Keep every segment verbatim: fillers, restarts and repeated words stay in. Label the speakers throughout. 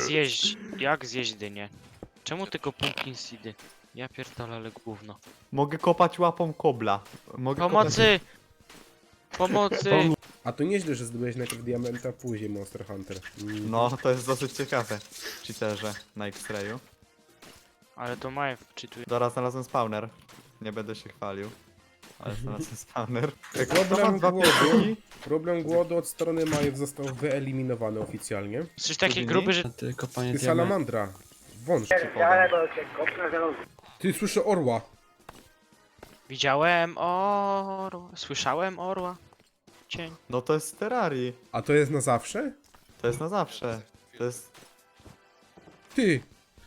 Speaker 1: zjeść, jak zjeść dynię? Czemu tylko pumpkin seedy? Ja pierdolę, ale gówno.
Speaker 2: Mogę kopać łapą kobla. Mogę
Speaker 1: Pomocy! Pomocy!
Speaker 3: A to nieźle, że zdobyłeś najpierw diamenta, później Monster Hunter. Mm.
Speaker 2: No, to jest dosyć ciekawe. Cheaterze na X-Rayu.
Speaker 1: Ale to Majew czytuje.
Speaker 2: Dobra, znalazłem spawner. Nie będę się chwalił. Ale znalazłem spawner. Jak to ma
Speaker 3: Problem
Speaker 2: dwa
Speaker 3: głodu,
Speaker 2: pięści?
Speaker 3: problem głodu od strony Majew został wyeliminowany oficjalnie.
Speaker 1: Coś taki
Speaker 2: Pudyni?
Speaker 1: gruby, że...
Speaker 4: Ty kopanie
Speaker 3: Ty
Speaker 4: diament.
Speaker 3: salamandra, wąż.
Speaker 2: Podam.
Speaker 3: Ty słyszę orła.
Speaker 1: Widziałem orła, słyszałem orła. Cień.
Speaker 2: No to jest z Terrarii.
Speaker 3: A to jest na zawsze?
Speaker 2: To jest na zawsze. To jest...
Speaker 3: Ty!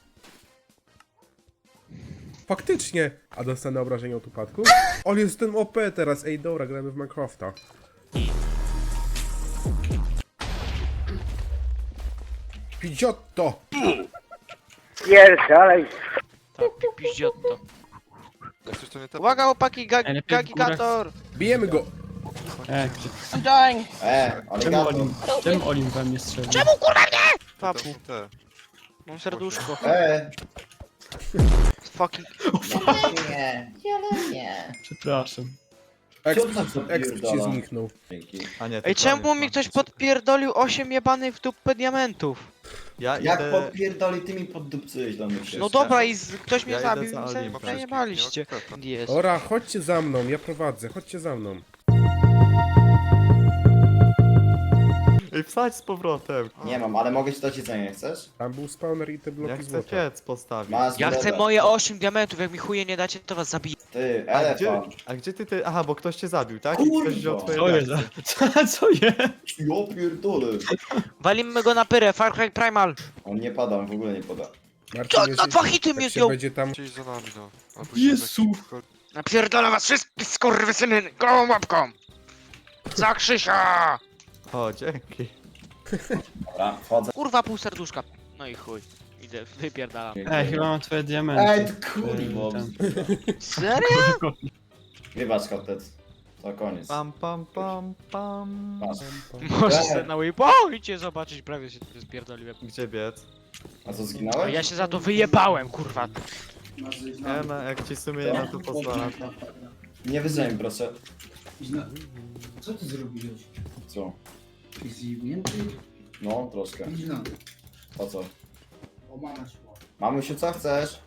Speaker 3: Faktycznie! A dostanę obrażenia od upadku? Ale jestem O P teraz, ej dobra, gramy w Minecrafta. Pidziotto!
Speaker 5: Pierdalej.
Speaker 1: Tak, piździotto.
Speaker 6: Jak coś to nie tak.
Speaker 1: Uwaga, opaki, ga
Speaker 4: Najlepiej w
Speaker 1: gagigator!
Speaker 3: Bijemy go!
Speaker 4: E, gdzie...
Speaker 5: E, ale
Speaker 4: Czemu Olim, czemu Olim we mnie strzelił?
Speaker 1: Czemu kurwa nie?
Speaker 6: To
Speaker 1: Papu,
Speaker 6: są te.
Speaker 1: mam serduszko.
Speaker 5: E,
Speaker 1: Fucking...
Speaker 5: nie, ale nie.
Speaker 4: Przepraszam.
Speaker 3: Exp,
Speaker 5: Co to za
Speaker 3: exp ci
Speaker 5: pierdala?
Speaker 3: zniknął.
Speaker 5: Dzięki.
Speaker 2: A nie,
Speaker 1: Ej,
Speaker 2: to
Speaker 1: czemu
Speaker 2: koniec,
Speaker 1: mi
Speaker 2: no.
Speaker 1: ktoś podpierdolił osiem jebanych w dupę diamentów?
Speaker 2: Ja
Speaker 5: Jak
Speaker 2: idę...
Speaker 5: podpierdoli, ty mi poddupcyłeś do mnie
Speaker 1: No dobra i z, ktoś mnie
Speaker 2: Ja idę
Speaker 1: zabił
Speaker 2: za
Speaker 1: i
Speaker 2: Olimpa.
Speaker 1: se zajebaliście. Jest.
Speaker 3: Ora, chodźcie za mną, ja prowadzę, chodźcie za mną.
Speaker 2: Ej, wsadź z powrotem.
Speaker 5: Nie mam, ale mogę ci dać jedzenie, chcesz?
Speaker 3: Tam był spawner i te
Speaker 2: Ja
Speaker 3: bloki
Speaker 2: chcę
Speaker 3: złota.
Speaker 2: piec postawić.
Speaker 5: Masz
Speaker 1: Ja chcę
Speaker 5: dreda.
Speaker 1: moje osiem diamentów, jak mi chuje nie dacie, to was zabiję.
Speaker 5: Ty,
Speaker 2: A gdzie,
Speaker 5: elefant.
Speaker 2: a gdzie ty ty... Aha, bo ktoś cię zabił, tak? I
Speaker 5: Kurwa.
Speaker 2: ktoś wziął twoje
Speaker 4: Co jest?
Speaker 2: diaksy.
Speaker 4: Co, co jest?
Speaker 5: Ja pierdolę.
Speaker 1: Walimy go na pyrę, Far Cry Primal.
Speaker 5: On nie pada, on w ogóle nie pada.
Speaker 3: Marcin,
Speaker 1: Co,
Speaker 3: jeśli-
Speaker 1: na dwa hity mnie
Speaker 3: jak się
Speaker 1: zdjął.
Speaker 3: będzie tam...
Speaker 6: Gdzieś za nami, no. Albo
Speaker 4: Jezu.
Speaker 6: się tak-
Speaker 1: Napierdolę was wszystkich, skurwysyny, gołą łapką. Za Krzysia!
Speaker 2: O, dzięki.
Speaker 5: Dobra, wchodzę.
Speaker 1: Kurwa, pół serduszka. No i chuj. Idę, wypierdalam.
Speaker 4: Ej, chyba mam twoje diamenty.
Speaker 5: Ej, ty kurwa.
Speaker 4: Ten-
Speaker 1: Serio?
Speaker 5: Wybacz, kotec. To koniec.
Speaker 2: Pam, pam, pam, pam.
Speaker 5: Masz.
Speaker 1: Możesz sobie na waypoincie zobaczyć, prawie się tu spierdoliłem.
Speaker 2: Gdzie biec?
Speaker 5: A co,
Speaker 1: A
Speaker 5: zginąłeś?
Speaker 1: ja się za to wyjebałem, kurwa.
Speaker 2: Ja na, jak ci sumienie na to pozwala.
Speaker 5: Nie wyzwij mi, proszę.
Speaker 7: Co ty zrobiłeś?
Speaker 5: Co?
Speaker 7: Jesteś zjebnięty?
Speaker 5: No, troszkę.
Speaker 7: Idź na dół.
Speaker 5: Po co?
Speaker 7: O, mama szła.
Speaker 5: Mamusiu, co chcesz?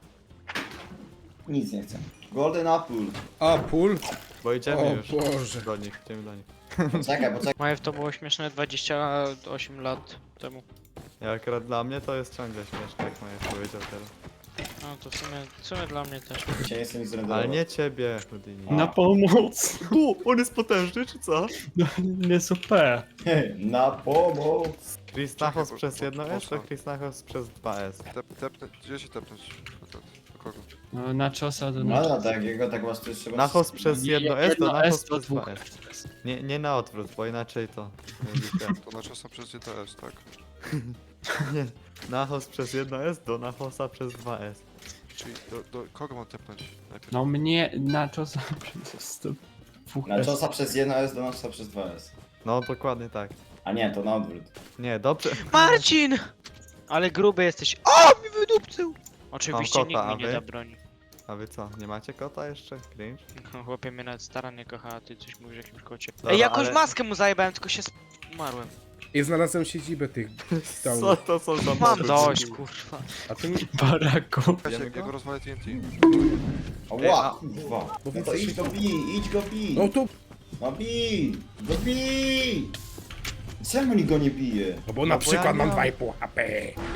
Speaker 5: Nic nie chcę. Golden Apple.
Speaker 3: A, pól?
Speaker 2: Bo idziemy
Speaker 3: O
Speaker 2: już.
Speaker 3: Boże.
Speaker 2: Do nich, idziemy do nich.
Speaker 5: Poczekaj, poczekaj.
Speaker 1: Moje to było śmieszne dwadzieścia osiem lat temu.
Speaker 2: Ja akurat dla mnie to jest ciągle śmieszne, jak Maja powiedział teraz.
Speaker 1: No to w sumie, w sumie dla mnie też.
Speaker 5: Dzisiaj nie chcę nic zrenderować.
Speaker 2: Ale nie ciebie, Houdini.
Speaker 4: Na pomoc.
Speaker 2: Tu, on jest potężny, czy co?
Speaker 4: No, nie super.
Speaker 5: Na pomoc.
Speaker 2: Chris Nachos
Speaker 6: bo-
Speaker 2: przez
Speaker 6: bo-
Speaker 2: jedno S,
Speaker 6: mocno.
Speaker 2: to Chris Nachos przez dwa S.
Speaker 6: Tep, tepnę, gdzie się tepnąć? Do, do kogo?
Speaker 4: No, na czosa do
Speaker 5: No ale tak, jego tak masz, to jeszcze trzeba...
Speaker 2: Nachos przez
Speaker 4: Nie,
Speaker 2: jedno S, to
Speaker 4: jedno
Speaker 2: Nachos
Speaker 4: S to
Speaker 2: przez dwa
Speaker 4: dwóch.
Speaker 2: S. Nie, nie na odwrót, bo inaczej to...
Speaker 6: To na czasem przez D T S, tak?
Speaker 2: Nie, Nachos przez jedno S do Nachosa przez dwa S.
Speaker 6: Czyli do, do kogo mam tepnąć najpierw?
Speaker 4: No mnie na czosa przez to dwóch
Speaker 5: Na
Speaker 4: S.
Speaker 5: czosa przez jedno S, do nosa przez dwa S.
Speaker 2: No, dokładnie tak.
Speaker 5: A nie, to na odwrót.
Speaker 2: Nie, dobrze.
Speaker 1: Marcin! Ale gruby jesteś. O, mi wydupcył! Oczywiście
Speaker 2: Mam
Speaker 1: nikt
Speaker 2: kota,
Speaker 1: mi
Speaker 2: a
Speaker 1: nie
Speaker 2: wy?
Speaker 1: da broni.
Speaker 2: A wy co, nie macie kota jeszcze? Cringe?
Speaker 1: No, chłopie mnie nawet stara nie kocha, a ty coś mówisz o jakimś kocie.
Speaker 2: Dobra,
Speaker 1: Ej, jakąś
Speaker 2: ale-
Speaker 1: maskę mu zajebałem, tylko się sp- umarłem.
Speaker 3: I znalazłem siedzibę tych
Speaker 2: Co
Speaker 3: downów.
Speaker 2: to są za
Speaker 1: Mam
Speaker 2: mody?
Speaker 1: dość, kurwa.
Speaker 3: A to nie...
Speaker 4: Baraku.
Speaker 6: Ja się,
Speaker 2: Wiemy
Speaker 6: jak
Speaker 2: go?
Speaker 6: go rozwalę T N T.
Speaker 5: O,
Speaker 2: Ej, a-
Speaker 5: ła, kurwa. No to idź go bij, idź go bij.
Speaker 3: No tu...
Speaker 5: No bij, go bij. Czemu nikt go nie bije?
Speaker 3: No bo
Speaker 2: No
Speaker 3: na
Speaker 2: bo
Speaker 3: przykład
Speaker 2: ja
Speaker 3: mam
Speaker 2: nie
Speaker 3: dwa i pół H P.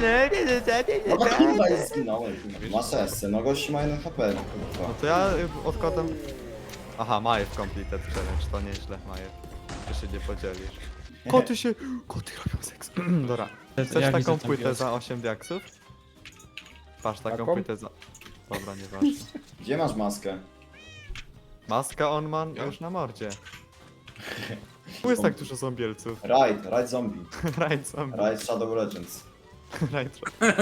Speaker 5: No to kurwa jest zginąłem. kurwa. Masz esce, no gości ma jeden H P, no
Speaker 2: No
Speaker 5: kurwa.
Speaker 2: to ja y, odkładam... Aha, Majew completed challenge, to nieźle, Majew. Ty się nie podzielisz. Koty się... Koty robią seks. Dobra. Chcesz
Speaker 4: Ja
Speaker 2: taką
Speaker 4: widzę tam
Speaker 2: płytę
Speaker 4: wioskę.
Speaker 2: za osiem diaksów? Patrz, taką
Speaker 3: Taką?
Speaker 2: płytę za... Dobra, nieważne.
Speaker 5: Gdzie masz maskę?
Speaker 2: Maska on ma już na mordzie. Tu jest tak dużo zombielców.
Speaker 5: Raid, Raid Zombie.
Speaker 2: Raid zombie.
Speaker 5: Raid Shadow Legends.
Speaker 2: Raid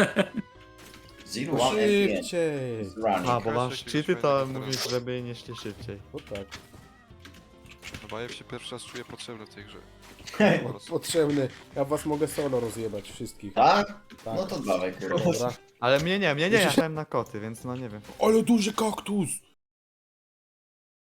Speaker 5: Zero One F P.
Speaker 3: Szybciej.
Speaker 5: Running.
Speaker 2: A, bo masz
Speaker 6: Jakiegoś
Speaker 2: cheaty, to
Speaker 6: fajnego
Speaker 2: mówisz,
Speaker 6: teraz.
Speaker 2: żeby nie szli szybciej.
Speaker 3: No tak.
Speaker 6: Chyba ja się pierwszy raz czuję potrzebny w tej grze.
Speaker 3: Potrzebny. Ja was mogę solo rozjebać wszystkich.
Speaker 5: Tak?
Speaker 3: Tak.
Speaker 5: No to dawaj, kurwa.
Speaker 3: Dobra.
Speaker 2: Ale mnie nie, mnie nie, ja chciałem na koty, więc no nie wiem.
Speaker 3: Ale duży kaktus!